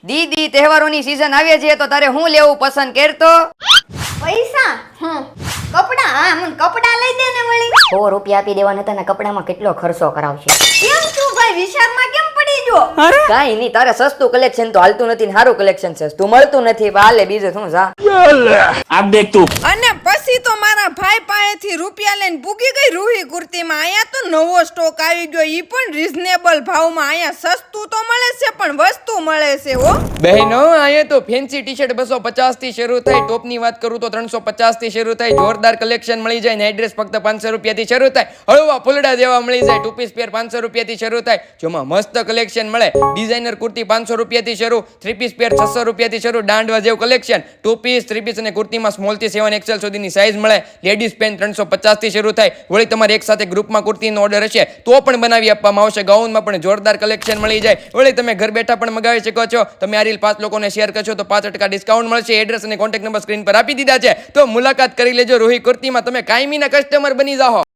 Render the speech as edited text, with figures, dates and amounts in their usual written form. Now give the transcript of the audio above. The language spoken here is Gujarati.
દીદી તહેવારોની સીઝન આવે છે તો તારે હું લેવું પસંદ કરતો? પૈસા કપડા હા મને કપડા લઈ દે ને વળી. 100 રૂપિયા આપી દેવાના હતા ને કપડામાં કેટલો ખર્ચો કરાવશે. કેમ તું ભાઈ વિશાળમાં કેમ પડી જો? કાઈ નહીં, તારે સસ્તું કલેક્શન તો હાલતું નથી ને સારું કલેક્શન છે તું મળતું નથી. હાલે બીજું શું જા. આ દેખ તું. અને પછી તો મારા ભાઈ પાસેથી રૂપિયા લઈને પૂગી ગઈ રૂહી કુર્તીમાં. અહીંયા તો નવો સ્ટોક આવી ગયો, ઈ પણ રીઝનેબલ ભાવમાં. અહીંયા સસ્તું તો મળે છે પણ વસ્તુ મળે છે હો બહેનો. અહીંયા તો ફેન્સી ટી-શર્ટ 250 થી શરૂ થાય, ટોપની વાત કરું તો 350 થી શરૂ થાય, જોરદાર કલેક્શન મળી જાય. નાઇટ ડ્રેસ ફક્ત 500 રૂપિયાથી શરૂ થાય, હળવા ફૂલડા જેવા મળી જાય. ટુ પીસ પેર 500 રૂપિયાથી શરૂ થાય, જેમાં મસ્ત કલેક્શન મળે. ડિઝાઇનર કુર્તી 500 રૂપિયાથી શરૂ, 3 પીસ પેર 600 રૂપિયાથી શરૂ, દાંડવા જેવું કલેક્શન. 2 પીસ 3 પીસ અને કુર્તીમાં સ્મોલ થી 7 XL સુધીની સાઇઝ મળે. લેડીઝ પેન્ટ 350 થી શરૂ થાય. વળી તમારે એક સાથે ગ્રુપમાં કુર્તીનો ઓર્ડર હશે તો પણ બનાવી આપવામાં આવશે. ગાઉનમાં પણ જોરદાર કલેક્શન મળી જાય. વળી તમે ઘર બેઠા પણ મગાવી શકો છો. તમે આ રીલ 5 લોકોને શેર કરશો તો 5% ડિસ્કાઉન્ટ મળશે. એડ્રેસ અને કોન્ટેક્ટ નંબર સ્ક્રીન પર આપી દીધા છે, તો મુલાકાત કરી લેજો. રૂહી કુર્તીમાં તમે કાયમીના કસ્ટમર બની જાઓ.